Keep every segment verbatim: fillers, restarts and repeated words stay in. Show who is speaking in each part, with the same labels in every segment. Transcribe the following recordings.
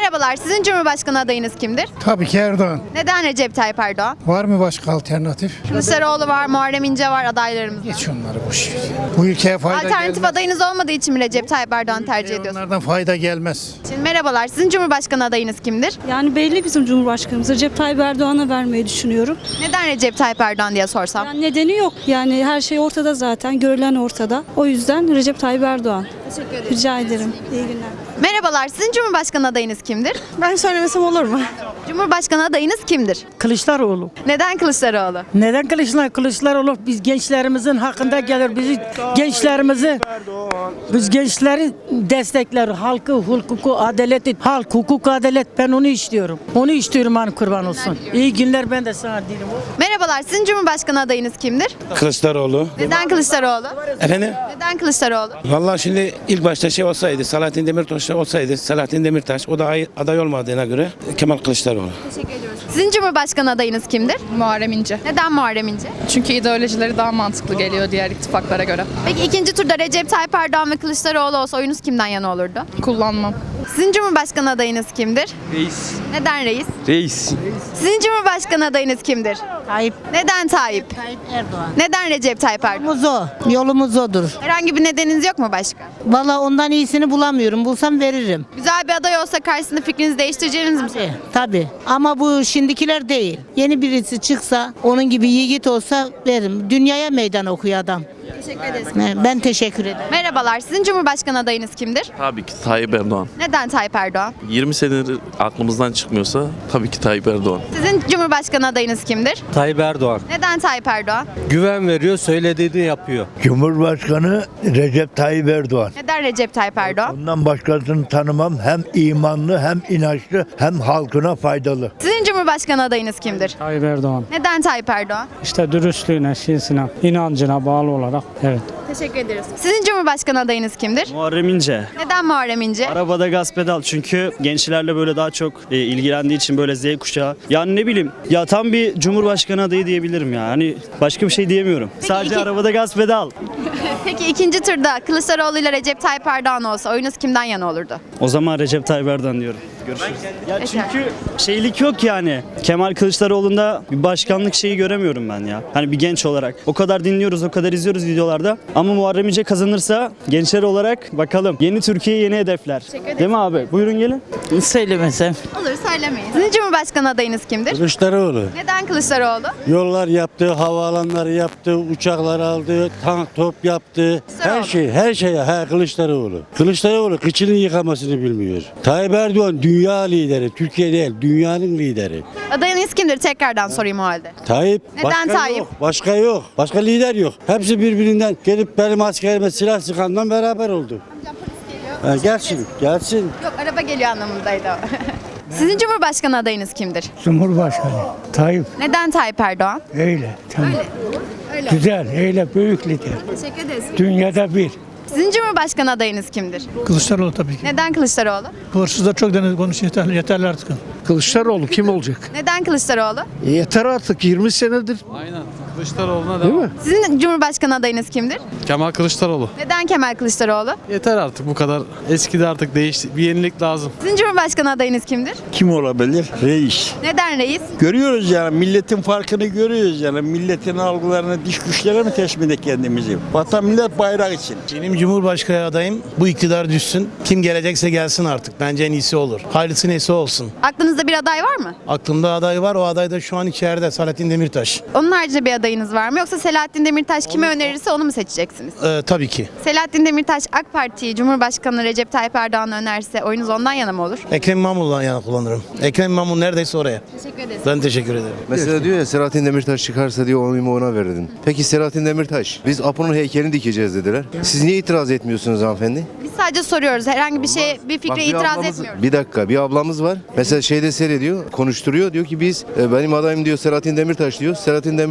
Speaker 1: Merhabalar, sizin Cumhurbaşkanı adayınız kimdir?
Speaker 2: Tabii ki Erdoğan.
Speaker 1: Neden Recep Tayyip Erdoğan?
Speaker 2: Var mı başka alternatif?
Speaker 1: Kılıçdaroğlu var, Muharrem İnce var adaylarımız.
Speaker 2: Geç onları boş ver. Bu ülkeye fayda
Speaker 1: Alternatif
Speaker 2: gelmez.
Speaker 1: adayınız olmadığı için mi Recep Tayyip Erdoğan tercih ediyorsunuz?
Speaker 2: Onlardan fayda gelmez.
Speaker 1: Şimdi merhabalar, sizin Cumhurbaşkanı adayınız kimdir?
Speaker 3: Yani belli bizim Cumhurbaşkanımız. Recep Tayyip Erdoğan'a vermeyi düşünüyorum.
Speaker 1: Neden Recep Tayyip Erdoğan diye sorsam?
Speaker 3: Yani nedeni yok. Yani her şey ortada zaten. Görülen ortada. O yüzden Recep Tayyip Erdoğan.
Speaker 1: Teşekkür ederim.
Speaker 3: Rica ederim. İyi günler.
Speaker 1: Merhabalar, sizin Cumhurbaşkanı adayınız kimdir?
Speaker 3: Ben söylemesem olur mu?
Speaker 1: Cumhurbaşkanı adayınız kimdir?
Speaker 4: Kılıçdaroğlu.
Speaker 1: Neden Kılıçdaroğlu?
Speaker 4: Neden Kılıçdaroğlu? Kılıçdaroğlu biz gençlerimizin hakkında gelir. Bizi gençlerimizi biz gençleri destekler. Halkı, hukuku, adaleti, halk, hukuk, adalet ben onu istiyorum. Onu istiyorum hani kurban olsun. İyi günler ben de sana dilerim.
Speaker 1: Merhabalar, sizin Cumhurbaşkanı adayınız kimdir?
Speaker 5: Kılıçdaroğlu.
Speaker 1: Neden Kılıçdaroğlu?
Speaker 5: Efendim?
Speaker 1: Neden Kılıçdaroğlu?
Speaker 5: Vallahi şimdi ilk başta şey olsaydı, Selahattin Demirtaş olsaydı, Selahattin Demirtaş o da ay- aday olmadığına göre Kemal Kılıçdaroğlu.
Speaker 1: Teşekkür ediyoruz. Sizin Cumhurbaşkanı adayınız kimdir?
Speaker 6: Muharrem İnce.
Speaker 1: Neden Muharrem İnce?
Speaker 6: Çünkü ideolojileri daha mantıklı geliyor diğer ittifaklara göre.
Speaker 1: Peki ikinci turda Recep Tayyip Erdoğan ve Kılıçdaroğlu olsa oyunuz kimden yana olurdu?
Speaker 6: Kullanmam.
Speaker 1: Sizin Cumhurbaşkanı adayınız kimdir?
Speaker 7: Reis.
Speaker 1: Neden reis?
Speaker 7: Reis.
Speaker 1: Sizin Cumhurbaşkanı adayınız kimdir?
Speaker 8: Tayyip
Speaker 1: Neden Tayyip?
Speaker 8: Tayyip Erdoğan.
Speaker 1: Neden Recep Tayyip Erdoğan?
Speaker 8: Yolumuz o. Yolumuz odur.
Speaker 1: Herhangi bir nedeniniz yok mu başka?
Speaker 8: Valla ondan iyisini bulamıyorum. Bulsam veririm.
Speaker 1: Güzel bir aday olsa karşısında fikrinizi değiştireceğiniz mi?
Speaker 8: Tabii, tabii. Ama bu şimdikiler değil. Yeni birisi çıksa, onun gibi yiğit olsa veririm. Dünyaya meydan okuyor adam.
Speaker 1: Teşekkür ederiz.
Speaker 8: Ben teşekkür ederim.
Speaker 1: Merhabalar, sizin Cumhurbaşkanı adayınız kimdir?
Speaker 9: Tabii ki Tayyip Erdoğan.
Speaker 1: Neden Tayyip Erdoğan?
Speaker 9: yirmi senedir aklımızdan çıkmıyorsa tabii ki Tayyip Erdoğan.
Speaker 1: Sizin Cumhurbaşkanı adayınız kimdir?
Speaker 7: Tayyip Erdoğan.
Speaker 1: Neden Tayyip Erdoğan?
Speaker 7: Güven veriyor, söylediğini yapıyor.
Speaker 10: Cumhurbaşkanı Recep Tayyip Erdoğan.
Speaker 1: Neden Recep Tayyip Erdoğan?
Speaker 10: Ondan başkasını tanımam. Hem imanlı hem inançlı hem halkına faydalı.
Speaker 1: Sizin Cumhurbaşkanı adayınız kimdir?
Speaker 4: Tayyip Erdoğan.
Speaker 1: Neden Tayyip Erdoğan?
Speaker 4: İşte dürüstlüğüne, şeysine, inancına bağlı olarak evet.
Speaker 1: Teşekkür ederiz. Sizin Cumhurbaşkanı adayınız kimdir?
Speaker 11: Muharrem İnce.
Speaker 1: Neden Muharrem İnce?
Speaker 11: Arabada gaz pedal çünkü gençlerle böyle daha çok e, ilgilendiği için böyle Z kuşağı. Yani ne bileyim ya tam bir Cumhurbaşkanı adayı diyebilirim ya. Hani başka bir şey diyemiyorum.
Speaker 1: Peki
Speaker 11: Sadece
Speaker 1: iki-
Speaker 11: arabada gaz pedal.
Speaker 1: Peki ikinci turda Kılıçdaroğlu ile Recep Tayyip Erdoğan olsa oyunuz kimden yana olurdu?
Speaker 11: O zaman Recep Tayyip Erdoğan diyorum. Görüşürüz. Ya çünkü şeylik yok yani. Kemal Kılıçdaroğlu'nda bir başkanlık şeyi göremiyorum ben ya. Hani bir genç olarak. O kadar dinliyoruz, o kadar izliyoruz videolarda. Ama Muharrem İnce kazanırsa gençler olarak bakalım. Yeni Türkiye, yeni hedefler. Değil mi abi? Buyurun gelin.
Speaker 4: Söylemesem.
Speaker 1: Olur, söylemeyin. Sizin Cumhurbaşkanı adayınız kimdir?
Speaker 10: Kılıçdaroğlu.
Speaker 1: Neden Kılıçdaroğlu?
Speaker 10: Yollar yaptı, havaalanları yaptı, uçaklar aldı, tank top yaptı.
Speaker 1: Kılıçdaroğlu.
Speaker 10: Her şey, her şey. Ha Kılıçdaroğlu. Kılıçdaroğlu kıçını yıkamasını bilmiyor. Tayyip Erdoğan dünya lideri, Türkiye değil, dünyanın lideri.
Speaker 1: Adayınız kimdir? Tekrardan sorayım o halde.
Speaker 10: Tayyip.
Speaker 1: Neden
Speaker 10: başka
Speaker 1: Tayyip?
Speaker 10: yok, başka yok. Başka lider yok. Hepsi birbirinden gelip benim askerime silah sıkandan beraber oldu. Ha, gelsin, gelsin.
Speaker 1: Yok, araba geliyor anlamındaydı o. Sizin Cumhurbaşkanı adayınız kimdir?
Speaker 2: Cumhurbaşkanı. Tayyip.
Speaker 1: Neden Tayyip Erdoğan?
Speaker 2: Öyle. Tamam.
Speaker 1: Öyle.
Speaker 2: Güzel. Öyle büyük lider.
Speaker 1: Teşekkür ederiz.
Speaker 2: Dünyada bir.
Speaker 1: Sizin Cumhurbaşkanı adayınız kimdir?
Speaker 2: Kılıçdaroğlu tabii ki.
Speaker 1: Neden Kılıçdaroğlu?
Speaker 2: Hırsızlar çok deniz konuşuyor. Yeterli, yeterli artık.
Speaker 7: Kılıçdaroğlu kim olacak?
Speaker 1: Neden Kılıçdaroğlu?
Speaker 7: Yeter artık yirmi senedir.
Speaker 12: Aynen. Kılıçdaroğlu'na
Speaker 7: Değil
Speaker 12: devam.
Speaker 7: mi?
Speaker 1: Sizin Cumhurbaşkanı adayınız kimdir?
Speaker 12: Kemal Kılıçdaroğlu.
Speaker 1: Neden Kemal Kılıçdaroğlu?
Speaker 12: Yeter artık bu kadar. Eskidi artık değişti. Bir yenilik lazım.
Speaker 1: Sizin Cumhurbaşkanı adayınız kimdir?
Speaker 10: Kim olabilir? Reis.
Speaker 1: Neden reis?
Speaker 10: Görüyoruz yani milletin farkını görüyoruz yani milletin algılarını diş güçlere mi teslim kendimizi? Vatan millet bayrak için.
Speaker 13: Benim Cumhurbaşkanı adayım bu iktidar düşsün. Kim gelecekse gelsin artık. Bence en iyisi olur. Hayırlısı neyse olsun.
Speaker 1: Aklınızda bir aday var mı?
Speaker 13: Aklımda aday var. O aday da şu an içeride. Selahattin Demirtaş.
Speaker 1: Onun haricinde bir adayınız var mı? Yoksa Selahattin Demirtaş kime önerirse onu mu seçeceksiniz?
Speaker 13: Ee, tabii ki.
Speaker 1: Selahattin Demirtaş AK Parti'yi Cumhurbaşkanı Recep Tayyip Erdoğan önerse oyunuz ondan yana mı olur?
Speaker 13: Ekrem İmamoğlu'dan yana kullanırım. Ekrem İmamoğlu neredeyse oraya.
Speaker 1: Teşekkür ederiz.
Speaker 13: Ben teşekkür ederim.
Speaker 14: Mesela diyor ya Selahattin Demirtaş çıkarsa diyor oyumu ona veririm. Peki Selahattin Demirtaş biz Apo'nun heykelini dikeceğiz dediler. Siz niye itiraz etmiyorsunuz hanımefendi?
Speaker 1: Biz sadece soruyoruz. Herhangi bir şey, bir fikre
Speaker 14: Bak, bir
Speaker 1: itiraz
Speaker 14: ablamız-
Speaker 1: etmiyoruz.
Speaker 14: Bir dakika bir ablamız var. Mesela şeyde seyrediyor, konuşturuyor. Diyor ki biz e, benim adayım diyor Selahattin Demirtaş diyor. Selahattin Demirtaş diyor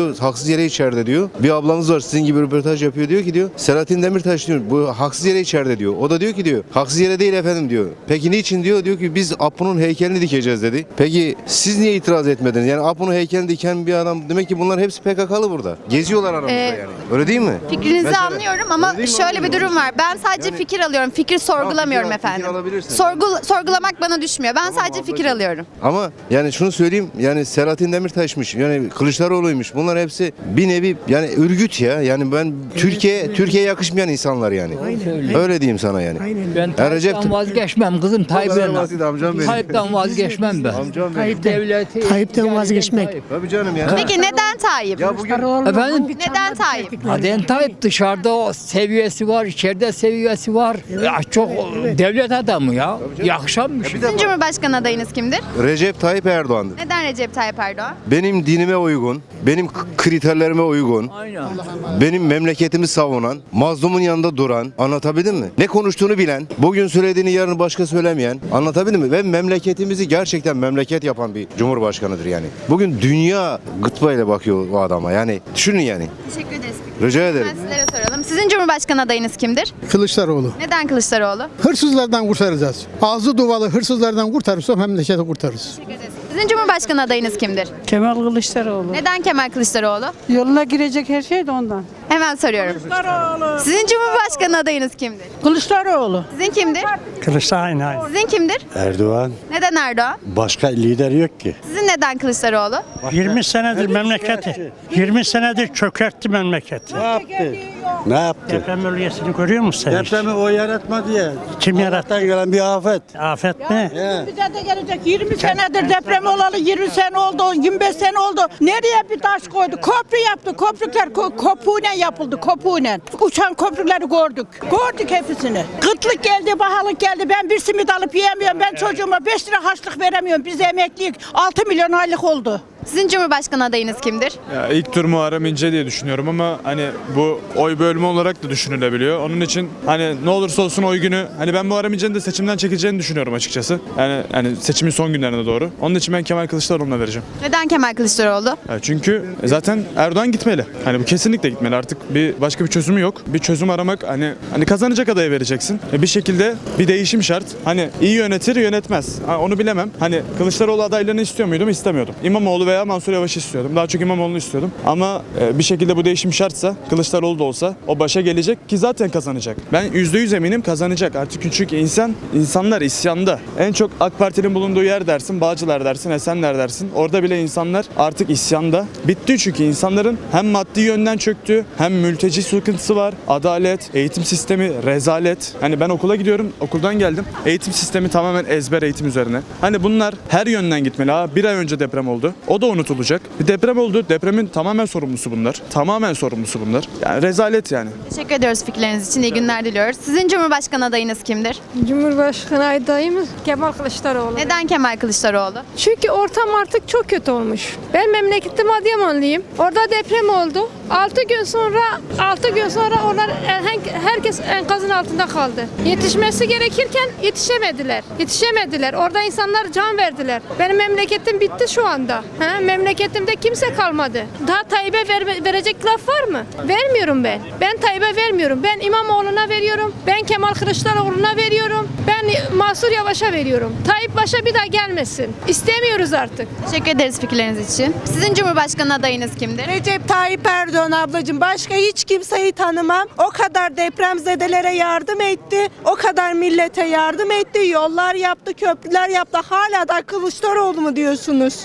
Speaker 14: diyor haksız yere içeride diyor. Bir ablamız var sizin gibi röportaj yapıyor diyor ki diyor Selahattin Demirtaş diyor bu haksız yere içeride diyor. O da diyor ki diyor haksız yere değil efendim diyor. Peki niçin diyor? Diyor ki biz Apo'nun heykelini dikeceğiz dedi. Peki siz niye itiraz etmediniz? Yani Apo'nun heykelini diken bir adam demek ki bunlar hepsi P K K'lı burada. Geziyorlar aramızda
Speaker 1: Ee,
Speaker 14: yani. Öyle değil mi?
Speaker 1: Fikrinizi
Speaker 14: Mesela-
Speaker 1: anlıyorum ama
Speaker 14: Öyle değil mi?
Speaker 1: şöyle bir
Speaker 14: Anlıyorum.
Speaker 1: durum var. Ben sadece
Speaker 14: Yani-
Speaker 1: fikir alıyorum. Fikir sorgulamıyorum
Speaker 14: fikir al-
Speaker 1: efendim.
Speaker 14: fikir alabilirsin.
Speaker 1: Sorgul sorgulamak bana düşmüyor. Ben sadece fikir
Speaker 14: ablacığım.
Speaker 1: alıyorum.
Speaker 14: Ama yani şunu söyleyeyim yani Selahattin Demirtaş'mış yani Kılıçdaroğlu'ymuş bunlar hepsi bir nevi yani örgüt ya yani ben Türkiye Türkiye'ye yakışmayan insanlar yani. Öyle diyeyim sana yani.
Speaker 15: Ben
Speaker 14: Ya Recep-
Speaker 15: Tayyip'ten vazgeçmem kızım
Speaker 14: kadar
Speaker 15: Tayyip'ten.
Speaker 14: basit amcam benim.
Speaker 15: Tayyip'ten vazgeçmem ben.
Speaker 14: Amcam benim.
Speaker 15: Tayyip devleti.
Speaker 3: Tayyip'ten vazgeçmek.
Speaker 15: Tayyip.
Speaker 14: Tabii canım ya.
Speaker 1: Peki neden Tayyip?
Speaker 14: Ya bugün
Speaker 15: Efendim?
Speaker 1: Neden Tayyip?
Speaker 15: Aden Tayyip dışarıda o seviyesi var, içeride seviyesi var. Ya çok devlet adamı ya. Yakışanmış.
Speaker 1: Sizin Cumhurbaşkanı adayınız kimdir?
Speaker 14: Recep Tayyip Erdoğan'dır.
Speaker 1: Neden Recep Tayyip Erdoğan?
Speaker 14: Benim dinime uygun, benim k- kriterlerime uygun,
Speaker 15: Aynen.
Speaker 14: benim memleketimi savunan, mazlumun yanında duran, anlatabildim mi? Ne konuştuğunu bilen, bugün söylediğini yarın başka söylemeyen, anlatabildim mi? Ve memleketimizi gerçekten memleket yapan bir cumhurbaşkanıdır yani. Bugün dünya gıtbayla bakıyor o adama yani. Düşünün yani.
Speaker 1: Teşekkür ederiz.
Speaker 14: Rica ederim.
Speaker 1: Ben sizlere soralım. Sizin Cumhurbaşkanı adayınız kimdir?
Speaker 7: Kılıçdaroğlu.
Speaker 1: Neden Kılıçdaroğlu?
Speaker 7: Hırsızlardan kurtaracağız. Ağzı duvalı hırsızlardan kurtarırsa memleketi kurtarırız.
Speaker 1: Sizin Cumhurbaşkanı adayınız kimdir?
Speaker 3: Kemal Kılıçdaroğlu.
Speaker 1: Neden Kemal Kılıçdaroğlu?
Speaker 3: Yoluna girecek her şey de ondan.
Speaker 1: Hemen soruyorum. Sizin Cumhurbaşkanı adayınız kimdir?
Speaker 3: Kılıçdaroğlu.
Speaker 1: Sizin kimdir?
Speaker 2: Kılıçdaroğlu.
Speaker 1: Sizin kimdir?
Speaker 10: Erdoğan.
Speaker 1: Neden Erdoğan?
Speaker 10: Başka lider yok ki.
Speaker 1: Sizin neden Kılıçdaroğlu?
Speaker 2: yirmi senedir memleketi, yirmi senedir çökertti memleketi.
Speaker 10: Ne yaptı? Ne yaptı?
Speaker 2: Deprem bölgesini görüyor musun sen? hiç?
Speaker 10: Depremi o yaratmadı ya.
Speaker 2: Kim yarattı?
Speaker 10: Allah'tan gelen bir afet.
Speaker 2: Afet ne?
Speaker 3: Bize de gelecek yirmi senedir deprem olalı yirmi sene oldu, yirmi beş sene oldu. Nereye bir taş koydu? Köprü yaptı. Köprükler ko- kopuğuyla yapıldı. Kopuğuyla. Uçan köprüleri gördük. Gördük hepsini. Kıtlık geldi, pahalılık geldi. Ben bir simit alıp yiyemiyorum. Ben çocuğuma beş lira harçlık veremiyorum. Biz emekliyik. altı milyon aylık oldu.
Speaker 1: Sizin Cumhurbaşkanı adayınız kimdir?
Speaker 12: Ya ilk tur Muharrem İnce diye düşünüyorum ama hani bu oy bölümü olarak da düşünülebiliyor. Onun için hani ne olursa olsun oy günü hani ben Muharrem İnce'nin de seçimden çekileceğini düşünüyorum açıkçası. Yani yani seçimin son günlerine doğru. Onun için ben Kemal Kılıçdaroğlu'na vereceğim.
Speaker 1: Neden Kemal Kılıçdaroğlu?
Speaker 12: Ya çünkü zaten Erdoğan gitmeli. Hani bu kesinlikle gitmeli. Artık bir başka bir çözümü yok. Bir çözüm aramak hani hani kazanacak adaya vereceksin. E bir şekilde bir değişim şart. Hani iyi yönetir, yönetmez. Ha, onu bilemem. Hani Kılıçdaroğlu adaylığını istiyor muydum? İstemiyordum. İmamoğlu veya Mansur Yavaş'ı istiyordum. Daha çok İmamoğlu'nu istiyordum. Ama e, bir şekilde bu değişim şartsa Kılıçdaroğlu da olsa o başa gelecek ki zaten kazanacak. Ben yüzde yüz eminim kazanacak. Artık çünkü insan insanlar isyanda. En çok AK Parti'nin bulunduğu yer dersin, Bağcılar dersin, Esenler dersin. Orada bile insanlar artık isyanda. Bitti çünkü insanların hem maddi yönden çöktü, hem mülteci sıkıntısı var, adalet, eğitim sistemi rezalet. Hani ben okula gidiyorum, okuldan geldim. Eğitim sistemi tamamen ezber eğitim üzerine. Hani bunlar her yönden gitmeli. Ha, bir ay önce deprem oldu. O da unutulacak. Bir deprem oldu. Depremin tamamen sorumlusu bunlar. Tamamen sorumlusu bunlar. Yani rezalet yani.
Speaker 1: Teşekkür ediyoruz fikirleriniz için. İyi günler diliyoruz. Sizin Cumhurbaşkanı adayınız kimdir?
Speaker 3: Cumhurbaşkanı adayımız Kemal Kılıçdaroğlu.
Speaker 1: Neden Kemal Kılıçdaroğlu?
Speaker 3: Çünkü ortam artık çok kötü olmuş. Ben memleketim Adıyamanlıyım. Orada deprem oldu. altı gün sonra altı gün sonra onlar herkes enkazın altında kaldı. Yetişmesi gerekirken yetişemediler. Yetişemediler. Orada insanlar can verdiler. Benim memleketim bitti şu anda. Ha, memleketimde kimse kalmadı. Daha Tayyip'e ver, verecek laf var mı? Vermiyorum ben. Ben Tayyip'e vermiyorum. Ben İmamoğlu'na veriyorum. Ben Kemal Kılıçdaroğlu'na veriyorum. Ben Mansur Yavaş'a veriyorum. Tayyip başa bir daha gelmesin. İstemiyoruz artık.
Speaker 1: Teşekkür ederiz fikirleriniz için. Sizin Cumhurbaşkanı adayınız kimdir?
Speaker 3: Recep Tayyip Erdoğan ablacığım. Başka hiç kimseyi tanımam. O kadar depremzedelere yardım etti. O kadar millete yardım etti. Yollar yaptı, köprüler yaptı. Hala da Kılıçdaroğlu mu diyorsunuz?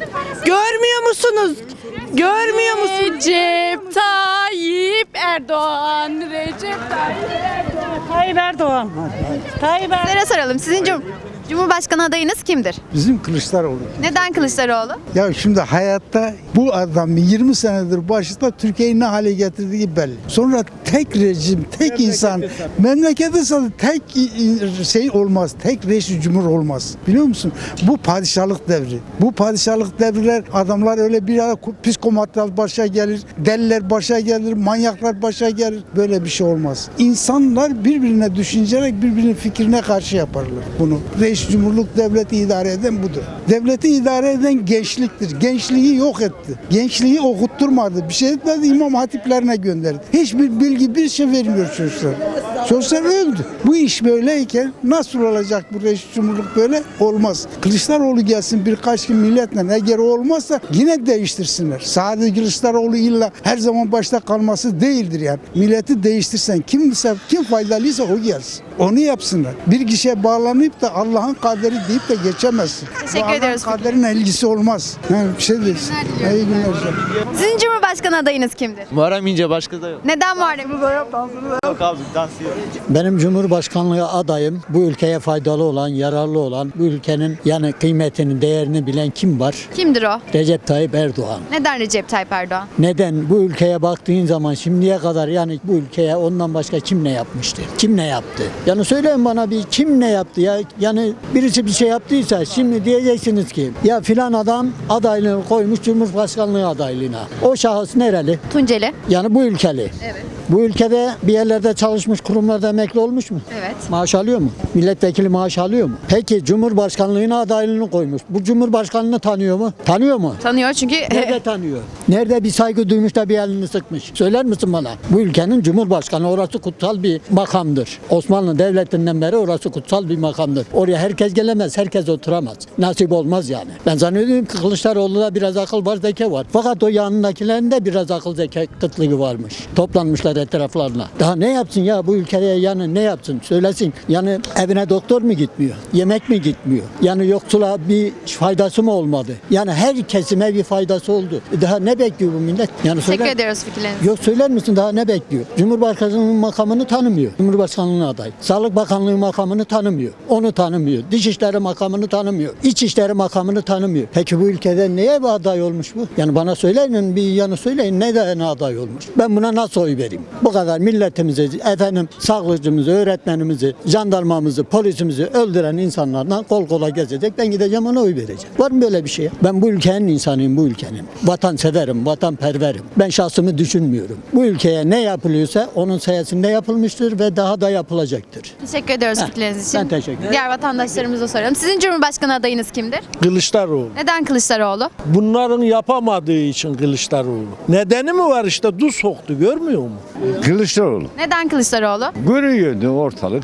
Speaker 3: Görmüyor musunuz? Görmüyor musunuz? Recep Tayyip Erdoğan. Recep Tayyip Erdoğan. Tayyip Erdoğan. Tayyip Erdoğan.
Speaker 1: Sizlere soralım. Sizin Cum- Cumhurbaşkanı adayınız kimdir?
Speaker 7: Bizim Kılıçdaroğlu.
Speaker 1: Neden Kılıçdaroğlu?
Speaker 7: Ya şimdi hayatta bu adam yirmi senedir başında Türkiye'yi ne hale getirdiği belli. Sonra tek rejim, tek insan, memleketi satın tek şey olmaz, tek reis cumhur olmaz. Biliyor musun? Bu padişahlık devri. Bu padişahlık devriler adamlar öyle bir ara psikomatlar başa gelir, deliler başa gelir, manyaklar başa gelir. Böyle bir şey olmaz. İnsanlar birbirine düşünerek birbirinin fikrine karşı yaparlar bunu. Reis Reis Cumhurluk devleti idare eden budur. Devleti idare eden gençliktir. Gençliği yok etti. Gençliği okutturmadı. Bir şey etmedi, imam hatiplerine gönderdi. Hiçbir bilgi, bir şey vermiyor çocuklar. Çocuklar öldü. Bu iş böyleyken nasıl olacak bu Reis Cumhurluk böyle? Olmaz. Kılıçdaroğlu gelsin birkaç gün milletle, eğer o olmazsa yine değiştirsinler. Sadece Kılıçdaroğlu illa her zaman başta kalması değildir yani. Milleti değiştirsen kimse, kim faydalıysa o gelsin. Onu yapsınlar. Bir kişiye bağlanıp da Allah'ın kaderi deyip de geçemezsin.
Speaker 1: Teşekkür
Speaker 7: Bu
Speaker 1: ediyoruz.
Speaker 7: Allah'ın kaderine ilgisi olmaz. Yani bir şey değil. İyi günler.
Speaker 1: Sizin Cumhurbaşkanı adayınız kimdir?
Speaker 16: Muharrem İnce, başka da yok.
Speaker 1: Neden Muharrem?
Speaker 16: Yok abi, dans yok.
Speaker 4: Benim Cumhurbaşkanlığı adayım bu ülkeye faydalı olan, yararlı olan, bu ülkenin yani kıymetini, değerini bilen kim var?
Speaker 1: Kimdir o?
Speaker 4: Recep Tayyip Erdoğan.
Speaker 1: Neden Recep Tayyip Erdoğan?
Speaker 4: Neden? Bu ülkeye baktığın zaman şimdiye kadar yani bu ülkeye ondan başka kim ne yapmıştı? Kim ne yaptı? Yani söyleyin bana bir, kim ne yaptı ya? Yani birisi bir şey yaptıysa şimdi diyeceksiniz ki ya filan adam adaylığını koymuş Cumhurbaşkanlığı adaylığına. O şahıs nereli?
Speaker 1: Tunceli.
Speaker 4: Yani bu ülkeli.
Speaker 1: Evet.
Speaker 4: Bu ülkede bir yerlerde çalışmış, kurumlarda emekli olmuş mu?
Speaker 1: Evet.
Speaker 4: Maaş alıyor mu? Milletvekili maaş alıyor mu? Peki Cumhurbaşkanlığına adaylığını koymuş. Bu Cumhurbaşkanlığını tanıyor mu? Tanıyor mu?
Speaker 1: Tanıyor çünkü
Speaker 4: Nerede tanıyor? Nerede bir saygı duymuş da bir elini sıkmış? Söyler misin bana? Bu ülkenin Cumhurbaşkanı, orası kutsal bir makamdır. Osmanlı Devleti'nden beri orası kutsal bir makamdır. Oraya herkes gelemez, herkes oturamaz. Nasip olmaz yani. Ben zannediyorum ki Kılıçdaroğlu'da biraz akıl var, zeka var. Fakat o yanındakilerin de biraz akıl zeka kıtlığı varmış. Toplanmışlar etraflarına. Daha ne yapsın ya bu ülkeye, yani ne yapsın? Söylesin. Yani evine doktor mu gitmiyor? Yemek mi gitmiyor? Yani yoksula bir faydası mı olmadı? Yani her kesime bir faydası oldu. Daha ne bekliyor bu millet? Yani
Speaker 1: teşekkür
Speaker 4: söyler,
Speaker 1: ediyoruz fikirleriniz.
Speaker 4: yok söyler misin daha ne bekliyor? Cumhurbaşkanının makamını tanımıyor. Cumhurbaşkanlığına aday. Sağlık Bakanlığı makamını tanımıyor. Onu tanımıyor. Dışişleri makamını tanımıyor. İçişleri makamını tanımıyor. Peki bu ülkede neye bir aday olmuş bu? Yani bana söyleyin, bir yanı söyleyin, neden aday olmuş? Ben buna nasıl oy vereyim? Bu kadar milletimizi, efendim sağlıkçımızı, öğretmenimizi, jandarmamızı, polisimizi öldüren insanlarla kol kola gezecek. Ben gideceğim ona oy vereceğim. Var mı böyle bir şey? Ben bu ülkenin insanıyım, bu ülkenin. Vatanseverim, vatanperverim. Ben şahsımı düşünmüyorum. Bu ülkeye ne yapılıyorsa onun sayesinde yapılmıştır ve daha da yapılacaktır.
Speaker 1: Teşekkür ediyoruz
Speaker 4: Heh,
Speaker 1: fikirleriniz için.
Speaker 4: ben teşekkür ederim.
Speaker 1: Diğer vatandaşlarımıza soralım. Sizin Cumhurbaşkanı adayınız kimdir?
Speaker 17: Kılıçdaroğlu.
Speaker 1: Neden Kılıçdaroğlu?
Speaker 17: Bunların yapamadığı için Kılıçdaroğlu. Nedeni mi var işte, du soktu, görmüyor mu?
Speaker 18: Kılıçdaroğlu.
Speaker 1: Neden Kılıçdaroğlu?
Speaker 18: Görüyordu ortalık.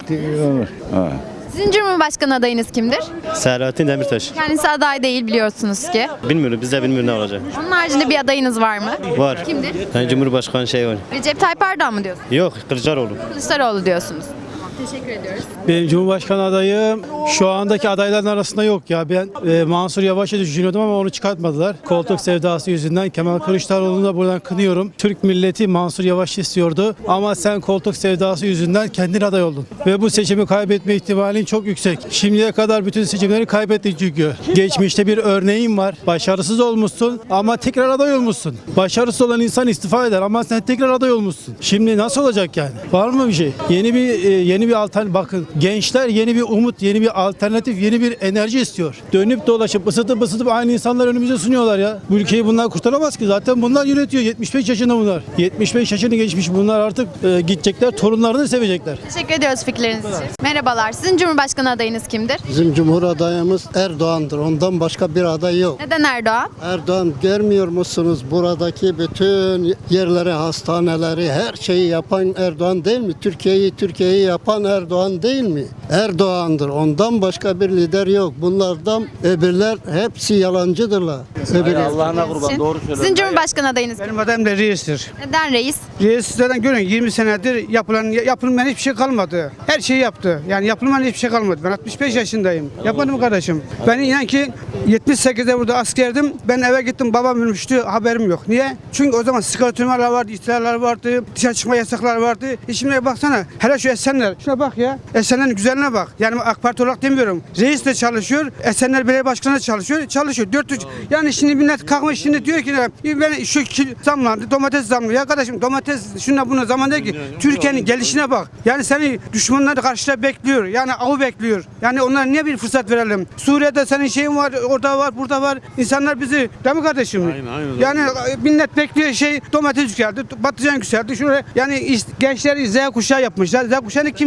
Speaker 18: Ha.
Speaker 1: Sizin Cumhurbaşkanı adayınız kimdir?
Speaker 11: Selahattin Demirtaş.
Speaker 1: Kendisi aday değil biliyorsunuz ki.
Speaker 11: Bilmiyorum, biz de bilmiyoruz ne olacak.
Speaker 1: Onun haricinde bir adayınız var mı?
Speaker 11: Var.
Speaker 1: Kimdir?
Speaker 11: Yani Cumhurbaşkanı şey var.
Speaker 1: Recep Tayyip Erdoğan mı diyorsunuz?
Speaker 11: Yok, Kılıçdaroğlu.
Speaker 1: Kılıçdaroğlu diyorsunuz. Teşekkür ediyoruz.
Speaker 19: Benim Cumhurbaşkanı adayım şu andaki adayların arasında yok ya. Ben e, Mansur Yavaş'ı düşünüyordum ama onu çıkartmadılar. Koltuk sevdası yüzünden. Kemal Kılıçdaroğlu'nu da buradan kınıyorum. Türk milleti Mansur Yavaş istiyordu ama sen koltuk sevdası yüzünden kendin aday oldun. Ve bu seçimi kaybetme ihtimalin çok yüksek. Şimdiye kadar bütün seçimleri kaybettin çünkü. Geçmişte bir örneğin var. Başarısız olmuşsun ama tekrar aday olmuşsun. Başarısız olan insan istifa eder ama sen tekrar aday olmuşsun. Şimdi nasıl olacak yani? Var mı bir şey? Yeni bir e, yeni bir alternatif. Bakın gençler yeni bir umut, yeni bir alternatif, yeni bir enerji istiyor. Dönüp dolaşıp ısıtıp ısıtıp aynı insanlar önümüze sunuyorlar ya. Bu ülkeyi bunlar kurtaramaz ki. Zaten bunlar yönetiyor. yetmiş beş yaşında bunlar. yetmiş beş yaşını geçmiş bunlar artık e, gidecekler. Torunlarını sevecekler.
Speaker 1: Teşekkür ediyoruz fikirleriniz için. Merhabalar. Sizin Cumhurbaşkanı adayınız kimdir?
Speaker 20: Bizim Cumhur adayımız Erdoğan'dır. Ondan başka bir aday yok.
Speaker 1: Neden Erdoğan?
Speaker 20: Erdoğan, görmüyor musunuz? Buradaki bütün yerleri, hastaneleri, her şeyi yapan Erdoğan değil mi? Türkiye'yi Türkiye'yi yapan Erdoğan değil mi? Erdoğan'dır. Ondan başka bir lider yok. Bunlardan öbürler hepsi yalancıdırlar.
Speaker 1: Allah'ına kurban, doğru söylüyorsun. Sizin Cumhurbaşkanı adayınız
Speaker 21: Benim adayım da reistir.
Speaker 1: neden reis?
Speaker 21: Reis zaten görün yirmi senedir yapılan yapılmayan hiçbir şey kalmadı. Her şeyi yaptı. Yani yapılmayan hiçbir şey kalmadı. Ben altmış beş yaşındayım. Yapmadım kardeşim. Ben inan ki yetmiş sekizde burada askerdim. Ben eve gittim, babam ölmüştü. Haberim yok. Niye? Çünkü o zaman sigara tümerler vardı, istiharlar vardı, dışarı çıkma yasaklar vardı. E şimdi baksana. Hele şu Esenler. Şuna bak ya. Esenler'in güzelliğine bak. Yani AK Parti olarak demiyorum. Reis de çalışıyor. Esenler Belediye Başkanı da çalışıyor. Çalışıyor. dört yüz. Yani şimdi millet kalkmış şimdi diyor ki ben şu zamlandı. Domates zamlı. Ya kardeşim domates şuna buna zaman değil ki. Türkiye'nin gelişine bak. Yani seni düşmanlar karşıda bekliyor. Yani avı bekliyor. Yani onlara niye bir fırsat verelim? Suriye'de senin şeyin var. Orada var. Burada var. İnsanlar bizi değil mi kardeşim? Aynen, aynen. Yani millet bekliyor şey domates yükseldi. Patlıcan yükseldi. Şuraya yani gençleri Z kuşağı yapmışlar. Z kuşağını kim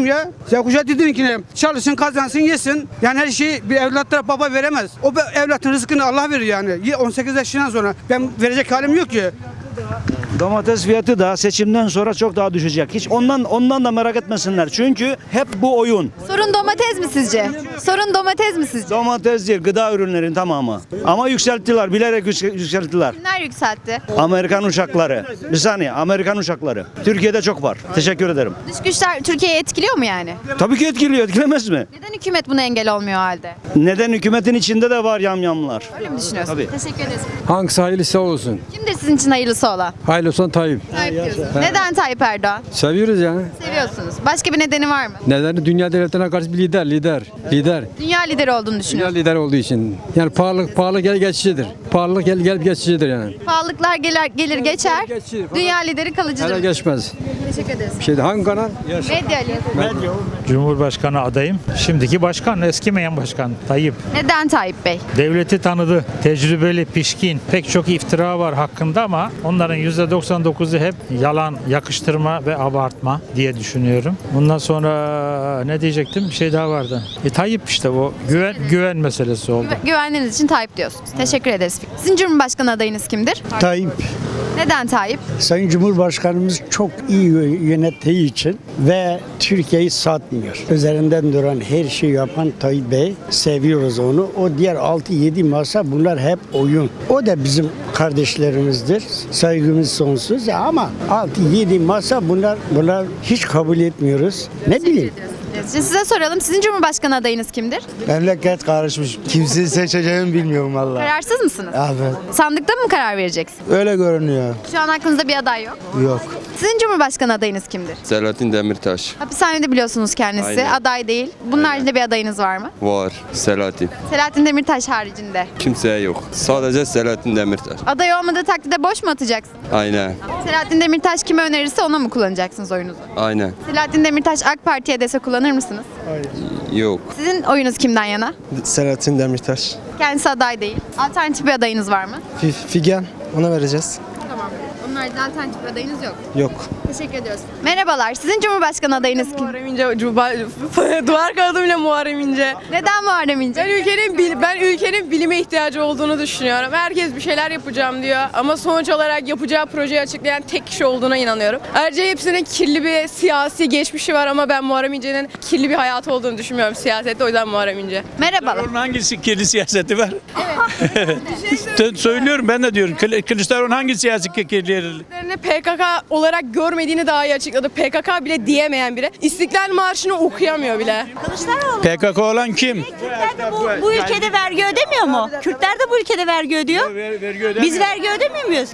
Speaker 21: ya. Z kuşağı dedin ki çalışsın, kazansın, yesin. Yani her şeyi bir evlatlara baba veremez. O evlatın rızkını Allah verir yani. on sekiz yaşından sonra ben verecek halim yok ki.
Speaker 5: Domates fiyatı da seçimden sonra çok daha düşecek. Hiç ondan ondan da merak etmesinler. Çünkü hep bu oyun.
Speaker 1: Sorun domates mi sizce? Sorun domates mi sizce?
Speaker 5: Domates değil, gıda ürünlerin tamamı. Ama yükselttiler, bilerek yüksel- yükselttiler.
Speaker 1: Kimler yükseltti?
Speaker 5: Amerikan uçakları. Bir saniye, Amerikan uçakları. Türkiye'de çok var. Teşekkür ederim.
Speaker 1: Dış güçler Türkiye'yi etkiliyor mu yani?
Speaker 5: Tabii ki etkiliyor, etkilemez mi?
Speaker 1: Neden hükümet buna engel olmuyor o halde?
Speaker 5: Neden hükümetin içinde de var yamyamlar?
Speaker 1: Öyle mi düşünüyorsun?
Speaker 5: Tabii.
Speaker 1: Teşekkür ederiz.
Speaker 17: Hangisi hayırlısı olsun.
Speaker 1: Kimdir sizin için hayırlısı olan?
Speaker 17: Hayırlı olsun Tayyip.
Speaker 1: Tayyip diyorsunuz. Neden Tayyip Erdoğan?
Speaker 17: Seviyoruz yani.
Speaker 1: Seviyorsunuz. Başka bir nedeni var mı?
Speaker 17: Nedeni dünya devletlerine karşı bir lider, lider, lider.
Speaker 1: Dünya lideri olduğunu
Speaker 17: Dünya
Speaker 1: düşünüyorsunuz.
Speaker 17: lider olduğu için. Yani pahalı, pahalı gel geçicidir. Pahalılık gel gelip geçicidir yani.
Speaker 1: Pahalılıklar gelir, gelir geçer.
Speaker 17: Geçici.
Speaker 1: Dünya lideri
Speaker 17: Hele
Speaker 1: kalıcıdır.
Speaker 17: geçmez.
Speaker 1: Teşekkür ederiz.
Speaker 17: Bir şeyde hangi kanal?
Speaker 1: Medya Ali.
Speaker 2: Cumhurbaşkanı adayım. Şimdiki başkan, eskimeyen başkan Tayyip.
Speaker 1: Neden Tayyip Bey?
Speaker 2: Devleti tanıdı. Tecrübeli, pişkin. Pek çok iftira var hakkında ama onların yüzde doksan dokuzu hep yalan, yakıştırma ve abartma diye düşünüyorum. Bundan sonra ne diyecektim? Bir şey daha vardı. E, Tayyip işte bu. Güven, güven meselesi oldu.
Speaker 1: Güve- Güvenliğiniz için Tayyip diyorsunuz. Teşekkür ederiz. Sizin Cumhurbaşkanı adayınız kimdir?
Speaker 7: Tayyip.
Speaker 1: Neden Tayyip?
Speaker 7: Sayın Cumhurbaşkanımız çok iyi yönettiği için ve Türkiye'yi satmıyor. Üzerinden duran her şeyi yapan Tayyip Bey. Seviyoruz onu. O diğer altı yedi masa bunlar hep oyun. O da bizim kardeşlerimizdir. Saygımız sonsuz ama altı yedi masa bunlar bunlar hiç kabul etmiyoruz. Ne bileyim.
Speaker 1: Size soralım. Sizin Cumhurbaşkanı adayınız kimdir?
Speaker 7: Memleket karışmış. Kimseyi seçeceğimi bilmiyorum vallahi.
Speaker 1: Kararsız mısınız?
Speaker 7: Evet.
Speaker 1: Sandıkta mı karar vereceksin?
Speaker 7: Öyle görünüyor.
Speaker 1: Şu an aklınızda bir aday yok.
Speaker 7: Yok.
Speaker 1: Sizin Cumhurbaşkanı adayınız kimdir?
Speaker 22: Selahattin Demirtaş.
Speaker 1: Hapishanede biliyorsunuz kendisi.
Speaker 22: Aynen.
Speaker 1: Aday değil. Bunun haricinde bir adayınız var mı?
Speaker 22: Var. Selahattin.
Speaker 1: Selahattin Demirtaş haricinde.
Speaker 22: Kimseye yok. Sadece Selahattin Demirtaş.
Speaker 1: Aday olmadığı takdirde boş mu atacaksın?
Speaker 22: Aynen.
Speaker 1: Selahattin Demirtaş kime önerirse ona mı kullanacaksınız oyunuzu?
Speaker 22: Aynen.
Speaker 1: Selahattin Demirtaş AK Parti'ye dese kullanır mısınız?
Speaker 22: Yok.
Speaker 1: Sizin oyunuz kimden yana?
Speaker 22: Selahattin Demirtaş.
Speaker 1: Kendisi aday değil. Alternatif bir adayınız var mı?
Speaker 22: Figen. Ona vereceğiz.
Speaker 1: Tamam. Onun haricinde alternatif bir adayınız yok.
Speaker 22: Yok.
Speaker 1: Teşekkür ediyoruz. Merhabalar. Sizin Cumhurbaşkanı adayınız kim?
Speaker 3: Muharrem İnce, duvar kağıdı bile Muharrem İnce.
Speaker 1: Neden Muharrem İnce?
Speaker 3: Ben ülkenin bil- ben ülkenin bilime ihtiyacı olduğunu düşünüyorum. Herkes bir şeyler yapacağım diyor ama sonuç olarak yapacağı projeyi açıklayan tek kişi olduğuna inanıyorum. Ayrıca hepsinin kirli bir siyasi geçmişi var ama ben Muharrem İnce'nin kirli bir hayatı olduğunu düşünmüyorum siyasette. O yüzden Muharrem İnce.
Speaker 1: Merhabalar.
Speaker 17: Onun hangisi kirli siyaseti var? Evet. Söylüyorum ben de diyorum. Kılı- Kılıçdaroğlu'nun hangi siyasi kirli?
Speaker 3: P K K olarak görmediğini daha iyi açıkladı. P K K bile diyemeyen biri. İstiklal Marşı'nı okuyamıyor bile.
Speaker 17: P K K olan kim?
Speaker 8: Bu, bu ülkede vergi ödemiyor mu? Kürtler de bu ülkede vergi ödüyor. Biz vergi ödemiyor muyuz?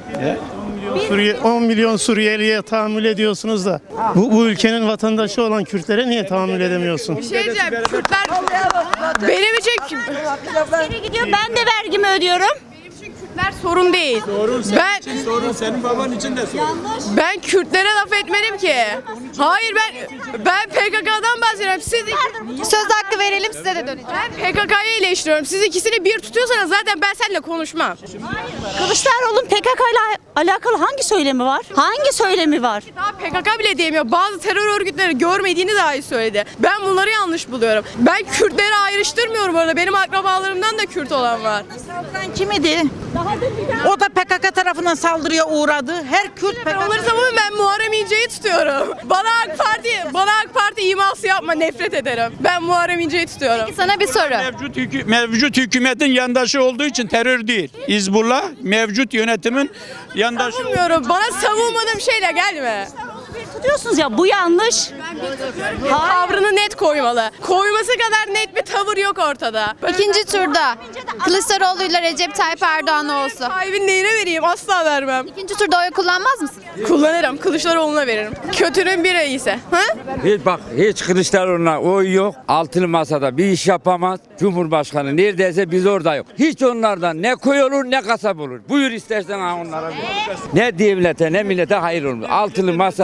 Speaker 19: on milyon Suriyeli'ye tahammül ediyorsunuz da bu, bu ülkenin vatandaşı olan Kürtlere niye tahammül edemiyorsun?
Speaker 3: Bir şey diyeceğim. Kürtler benim için
Speaker 8: Askere gidiyor ben de vergimi ödüyorum.
Speaker 3: Kürtler sorun değil. Ben
Speaker 17: Sorun senin baban için de sorun.
Speaker 3: ben Kürtlere laf etmedim ki. Hayır ben ben P K K'dan bahsediyorum. Siz
Speaker 1: Söz hakkı verelim size de döneceğim.
Speaker 3: ben P K K'yı eleştiriyorum. Siz ikisini bir tutuyorsanız zaten ben seninle konuşmam.
Speaker 8: Kılıçdaroğlu'nun P K K ile alakalı hangi söylemi var? Hangi söylemi var?
Speaker 3: Daha P K K bile diyemiyor. Bazı terör örgütleri görmediğini dahi söyledi. Ben bunları yanlış buluyorum. Ben Kürtleri ayrıştırmıyorum orada. Benim akrabalarımdan da Kürt olan var.
Speaker 8: Kim idi? O da P K K tarafından saldırıya uğradı. Her Kürt
Speaker 3: Ben onları savunuyorum. Ben Muharrem İnce'yi tutuyorum. Bana AK Parti, bana AK Parti iması yapma, nefret ederim. Ben Muharrem İnce'yi tutuyorum.
Speaker 1: Sana bir soru.
Speaker 17: Mevcut, hükü- mevcut hükümetin yandaşı olduğu için terör değil. Hizbullah mevcut yönetimin yandaşı.
Speaker 3: Savunmuyorum. Bana savunmadığım şeyle gelme.
Speaker 8: tutuyorsunuz ya bu yanlış.
Speaker 3: Tavrını net koymalı. Koyması kadar net bir tavır yok ortada.
Speaker 1: İkinci turda Kılıçdaroğlu ile Recep Tayyip Erdoğan olsa.
Speaker 3: Tayyip'in neyine vereyim? Asla vermem.
Speaker 1: İkinci turda oy kullanmaz mısın?
Speaker 3: Kullanırım. Kılıçdaroğlu'na veririm. Kötünün bir iyisi. Ha?
Speaker 23: Hiç bak hiç Kılıçdaroğlu'na oy yok. Altılı masada bir iş yapamaz. Cumhurbaşkanı neredeyse biz orada yok. Hiç onlardan ne koy olur ne kasap olur. Buyur istersen ha onlara. Ne devlete ne millete hayır olmaz. Altılı masadan hiç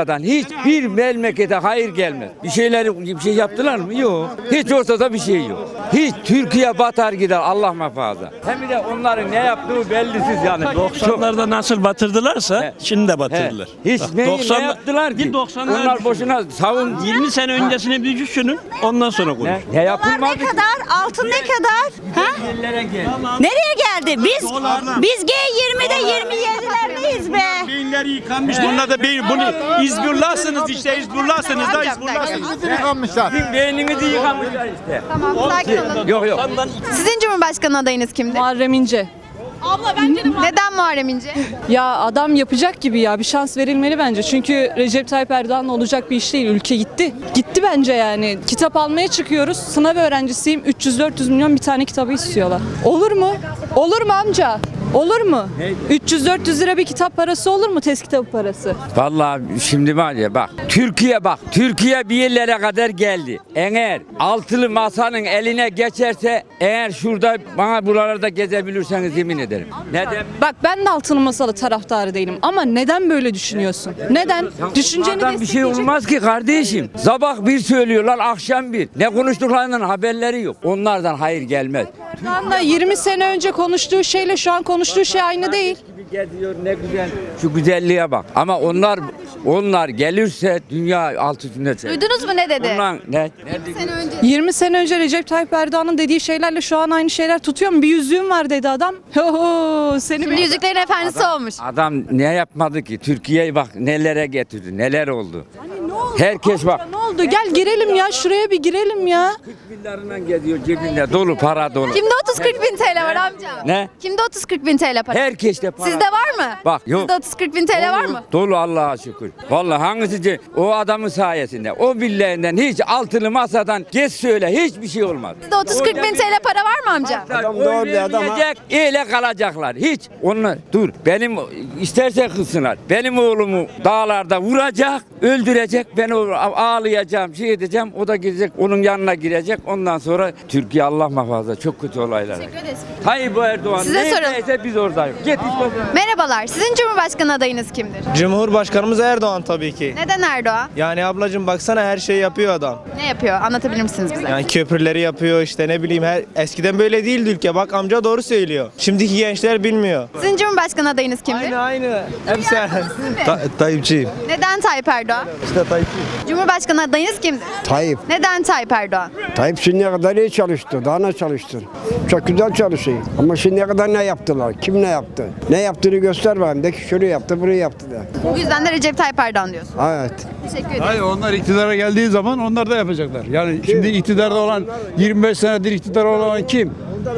Speaker 23: Hiçbir memlekete hayır gelmez. Bir şeyler bir şey yaptılar mı? Yok. Hiç ortada bir şey yok. Hiç Türkiye batar gider Allah muhafaza. Hem de onların ne yaptığı bellisiz yani.
Speaker 6: doksanlarda nasıl batırdılarsa
Speaker 23: He.
Speaker 6: şimdi de batırdılar.
Speaker 23: He. Hiç
Speaker 6: Bak,
Speaker 23: ne,
Speaker 6: doksan
Speaker 23: ne yaptılar ki?
Speaker 6: Bir doksanlar
Speaker 23: Onlar boşuna savun.
Speaker 6: yirmi sene öncesini bir düşünün. Ondan sonra konuş.
Speaker 23: Ne, ne yapılmadı ki?
Speaker 9: kadar? Altın ne kadar? Ha?
Speaker 23: Yerlere gel.
Speaker 9: Nereye geldi? Biz biz G yirmide yirmi yedilerdeyiz be.
Speaker 17: Beyinleri yıkanmış. Bunlar da beyin. Bunu İzbullahsınız işte. İzbullahsınız da İzbullahsınız.
Speaker 23: Sizin beyninizi yıkamışlar işte.
Speaker 1: Tamam, sakin olun.
Speaker 23: Yok yok.
Speaker 1: Sizin Cumhurbaşkanı adayınız kimdir?
Speaker 13: Muharrem İnce.
Speaker 1: Abla bence de Neden Muharrem İnce?
Speaker 13: Ya adam yapacak gibi ya bir şans verilmeli bence. Çünkü Recep Tayyip Erdoğan'la olacak bir iş değil. Ülke gitti. Gitti bence yani. Kitap almaya çıkıyoruz. Sınav öğrencisiyim. üç yüz dört yüz milyon bir tane kitabı istiyorlar. Olur mu? Olur mu amca? Olur mu? üç yüz dört yüz lira bir kitap parası olur mu? Test kitabı parası.
Speaker 23: Vallahi şimdi var ya bak Türkiye bak Türkiye bir yerlere kadar geldi. Eğer altılı masanın eline geçerse eğer şurada bana buralarda gezebilirseniz yemin ederim. Neden?
Speaker 13: Bak ben de altılı masalı taraftarı değilim ama neden böyle düşünüyorsun? Neden? Düşünceni
Speaker 23: Bunlardan bir şey olmaz ki kardeşim. Sabah bir söylüyorlar akşam bir. Ne konuştuklarından haberleri yok. Onlardan hayır gelmez.
Speaker 13: Erdoğan'la yirmi sene önce konuştuğu şeyle şu an konuştuğu şey aynı değil.
Speaker 23: Geziyor ne güzel. Şu güzelliğe bak. Ama onlar onlar gelirse dünya alt üstünde çevir.
Speaker 1: Duydunuz mu ne dedi?
Speaker 23: Ondan ne?
Speaker 1: Sene önce.
Speaker 13: yirmi sene önce Recep Tayyip Erdoğan'ın dediği şeylerle şu an aynı şeyler tutuyor mu? Bir yüzüğüm var dedi adam. Oho, seni
Speaker 1: Şimdi Yüzüklerin Efendisi olmuş.
Speaker 23: Adam ne yapmadı ki? Türkiye'yi bak nelere getirdi. Neler oldu? Herkes bak.
Speaker 13: Ne oldu? Gel girelim ya şuraya bir girelim ya.
Speaker 23: kırk binlerinden geziyor cebinde dolu para dolu.
Speaker 1: Kimde otuz kırk bin T L var amca?
Speaker 23: Ne?
Speaker 1: Kimde otuz kırk bin T L para?
Speaker 23: Herkeste para.
Speaker 1: Sizde var mı?
Speaker 23: Bak yok.
Speaker 1: Sizde otuz kırk bin T L var mı?
Speaker 23: Dolu Allah'a şükür. Vallahi hangisi o adamın sayesinde. O billerinden hiç altılı masadan geç söyle hiçbir şey olmaz.
Speaker 1: Sizde otuz kırk bin T L para var mı amca?
Speaker 23: Adam doğru bir adam. Öyle kalacaklar. Hiç. Onlar dur. Benim isterse kılsınlar. Benim oğlumu dağlarda vuracak, öldürecek. Ben o- ağlayacağım, şey edeceğim. O da gidecek, onun yanına girecek. Ondan sonra Türkiye Allah muhafaza çok kötü olaylar. Tayyip Erdoğan
Speaker 1: Size
Speaker 23: neredeyse biz oradayız. Git işte.
Speaker 1: Merhabalar. Sizin Cumhurbaşkanı adayınız kimdir?
Speaker 22: Cumhurbaşkanımız Erdoğan tabii ki.
Speaker 1: Neden Erdoğan?
Speaker 22: Yani ablacığım baksana her şeyi yapıyor adam.
Speaker 1: Ne yapıyor? Anlatabilir misiniz bize?
Speaker 22: Yani köprüleri yapıyor işte ne bileyim her eskiden böyle değildi ülke. Bak amca doğru söylüyor. Şimdiki gençler bilmiyor.
Speaker 1: Sizin Cumhurbaşkanı adayınız kimdir?
Speaker 22: Aynı aynı. Hepsi Ta- Tayyipçiyim.
Speaker 1: Neden Tayyip Erdoğan?
Speaker 22: İşte Tayyipçiyim.
Speaker 1: Cumhurbaşkanı adayınız kimdir?
Speaker 24: Tayyip.
Speaker 1: Neden Tayyip Erdoğan?
Speaker 24: Tayyip şimdiye kadar iyi çalıştı. Daha ne çalıştı? Çok güzel çalışıyor. Ama şimdiye kadar ne yaptılar? Kim ne yaptı? Ne yaptığını göster bana. De ki şunu yaptı, bunu yaptı de.
Speaker 1: Bu yüzden de Recep Tayyip Erdoğan diyorsun.
Speaker 24: Evet.
Speaker 1: Teşekkür ederim.
Speaker 25: Hayır onlar iktidara geldiği zaman onlar da yapacaklar. Yani şimdi iktidarda olan yirmi beş senedir iktidar olan kim?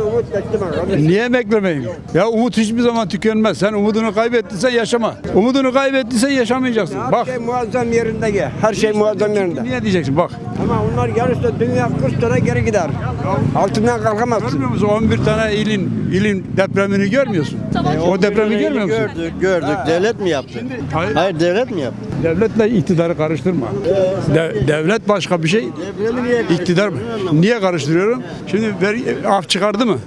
Speaker 25: Niye beklemeyim? Ya umut hiçbir zaman tükenmez. Sen umudunu kaybettiysen yaşama. Umudunu kaybettiysen yaşamayacaksın.
Speaker 24: Her
Speaker 25: Bak.
Speaker 24: şey muazzam yerinde gel. Her şey muazzam yerinde.
Speaker 25: Niye diyeceksin bak.
Speaker 24: Ama onlar gelirse dünya kırk sene geri gider. Altından kalkamazsın.
Speaker 25: Görmüyor musun? on bir tane ilin ilin depremini görmüyorsun. O depremi görmüyor musun?
Speaker 22: Gördük, gördük. Devlet mi yaptı?
Speaker 25: Hayır.
Speaker 22: Hayır devlet mi yaptı?
Speaker 25: Devletle iktidarı karıştırma. De- devlet başka bir şey. İktidar mı? Niye karıştırıyorum? Şimdi ver, af çıkardı mı?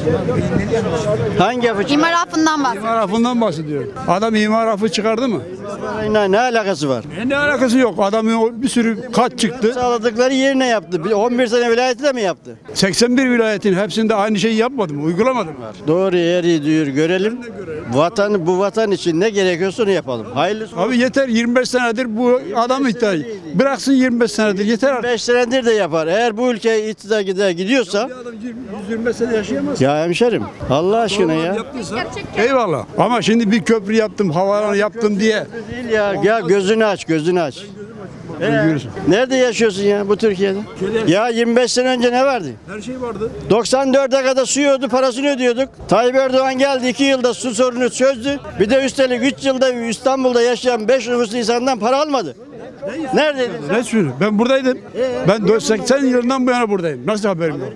Speaker 22: Hangi yapı
Speaker 1: İmar affından bahsediyor.
Speaker 25: İmar afından bahsediyorum. Adam imar afı çıkardı mı?
Speaker 22: Ne, ne alakası var?
Speaker 25: E ne alakası yok. Adamın o bir sürü kat çıktı.
Speaker 22: Sağladıkları yerine yaptı. Bir on bir sene vilayeti de mi yaptı?
Speaker 25: seksen bir vilayetin hepsinde aynı şeyi yapmadı mı? Uygulamadı mı?
Speaker 22: Doğru yeri diyor görelim. Vatan bu vatan için ne gerekiyorsa onu yapalım. Hayırlısı.
Speaker 25: Abi yeter yirmi beş senedir bu adam ihtiyacı. Bıraksın yirmi beş senedir yeter artık.
Speaker 22: beş senedir de yapar. Eğer bu ülke iktidar gider gidiyorsa
Speaker 25: yüz yirmi beş sene yaşayamaz.
Speaker 22: ya hemşerim Allah aşkına ya.
Speaker 25: Eyvallah. Ama şimdi bir köprü yaptım, havaalanı yaptım diye.
Speaker 22: Değil ya. Ya gözünü aç, gözünü aç. Ee, nerede yaşıyorsun ya bu Türkiye'de? Ya yirmi beş sene önce ne vardı?
Speaker 25: Her şey vardı.
Speaker 22: doksan dörde kadar su yiyordu, parasını ödüyorduk. Tayyip Erdoğan geldi iki yılda su sorunu çözdü. Bir de üstelik üç yılda İstanbul'da yaşayan beş nüfuslu insandan para almadı. Neredeydin?
Speaker 25: Ne sürü? Ben buradaydım. Ben seksen yılından bu yana buradayım. Nasıl haberim yok?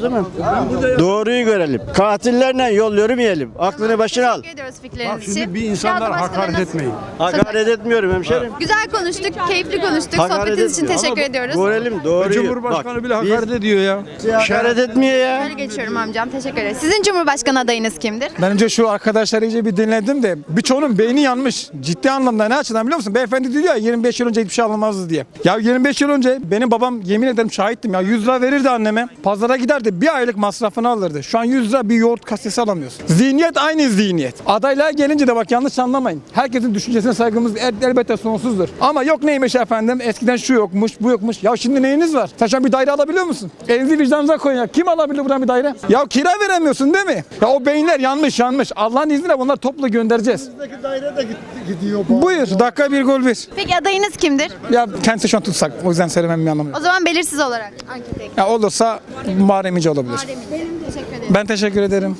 Speaker 22: değil mi? Doğruyu görelim. Katillerle yol yürümeyelim. Aklını başına al.
Speaker 1: Teşekkür ediyoruz fikirleriniz
Speaker 22: Bak
Speaker 1: için.
Speaker 22: şimdi bir
Speaker 1: insanlara
Speaker 22: insanlara
Speaker 1: hakaret
Speaker 22: hakaret
Speaker 1: etmeyin.
Speaker 22: Hakaret etmiyorum hemşerim.
Speaker 1: Güzel konuştuk, keyifli konuştuk.
Speaker 22: Hakaret
Speaker 1: Sohbetiniz için
Speaker 22: etmiyor.
Speaker 1: teşekkür
Speaker 22: Ama
Speaker 1: ediyoruz.
Speaker 22: Görelim doğruyu.
Speaker 25: Cumhurbaşkanı
Speaker 22: Bak,
Speaker 25: bile hakaret
Speaker 22: biz-
Speaker 25: ediyor ya.
Speaker 22: Hakaret etmiyor ya.
Speaker 1: Böyle geçiyorum amcam. Teşekkür ederiz. Sizin Cumhurbaşkanı adayınız kimdir?
Speaker 10: Bence şu arkadaşları iyice bir dinledim de birçoğunun beyni yanmış. Ciddi anlamda ne açıdan biliyor musun? Beyefendi diyor ya yirmi beş yıl önce hiçbir şey alınmazdı diye. Ya yirmi beş yıl önce benim babam yemin ederim şahittim ya yüz lira verirdi anneme. Pazara giderdi bir aylık masrafını alırdı. Şu an yüz lira bir yoğurt kasesi alamıyorsun. Zihniyet aynı zihniyet. Adaylığa gelince de bak yanlış anlamayın. Herkesin düşüncesine saygımız el, elbette sonsuzdur. Ama yok neymiş efendim eskiden şu yokmuş bu yokmuş. Ya şimdi neyiniz var? Sen şu an bir daire alabiliyor musun? Elinizi vicdanınıza koyun ya. Kim alabilir buradan bir daire? Ya kira veremiyorsun değil mi? Ya o beyinler yanmış yanmış. Allah'ın izniyle bunları toplu göndereceğiz.
Speaker 7: daire de gidiyor.
Speaker 10: Buyur dakika bir gol bir.
Speaker 1: Peki adayınız kimdir?
Speaker 10: Ya kendisi şu an tutsak o yüzden söylemem bir anlamı yok.
Speaker 1: O zaman belirsiz olarak ankete.
Speaker 10: Ya olursa Muharrem İnce olabilir.
Speaker 1: Teşekkür ederim.
Speaker 10: Ben teşekkür ederim.